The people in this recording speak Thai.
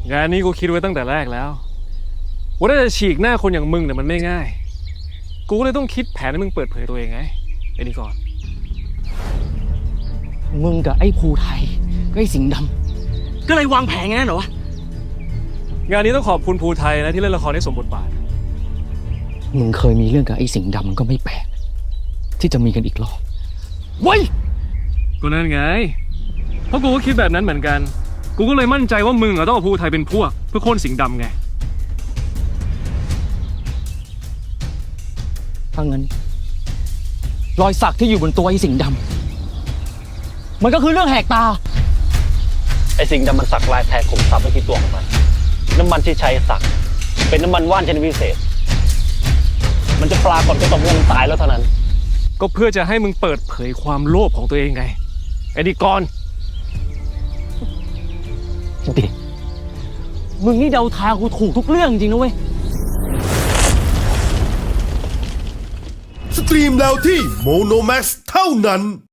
งานนี้กูคิดไว้ตั้งแต่แรกแล้วว่าถ้าจะฉีกหน้าคนอย่างมึงเนี่ยมันไม่ง่ายกูก็เลยต้องคิดแผนให้มึงเปิดเผยตัวเองไงไอ้นี่ก่อนมึงกับไอ้ภูไทยก็ไอ้สิงห์ดำก็เลยวางแผนงั้นเหรอวะงานนี้ต้องขอบคุณภูไทยนะที่เล่นละครได้สมบทบาทมึงเคยมีเรื่องกับไอ้สิงห์ดำมันก็ไม่แปลกที่จะมีกันอีกรอบเว้ยก็นั่นไงเพราะกูก็คิดแบบนั้นเหมือนกันกูก็เลยมั่นใจว่ามึงต้องเอาภูไทยเป็นพวกเพื่อโค่นสิงห์ดำไงถ้างั้นรอยสักที่อยู่บนตัวไอ้สิงห์ดำมันก็คือเรื่องแหกตาไอ้สิงห์ดำมันสักลายแทนขุมทรัพย์ไว้ที่ตัวของมันน้ำมันที่ใช้สักเป็นน้ำมันว่านชนิดพิเศษมันจะปรากฏก็ต่อเมื่อมันตายแล้วเท่านั้นก็เพื่อจะให้มึงเปิดเผยความโลภของตัวเองไงไอ้นี่ก่อนเด็กมึงนี่เดาทางกูถูกทุกเรื่องจริงนะเว้ยสตรีมแล้วที่โมโนแม็กซ์เท่านั้น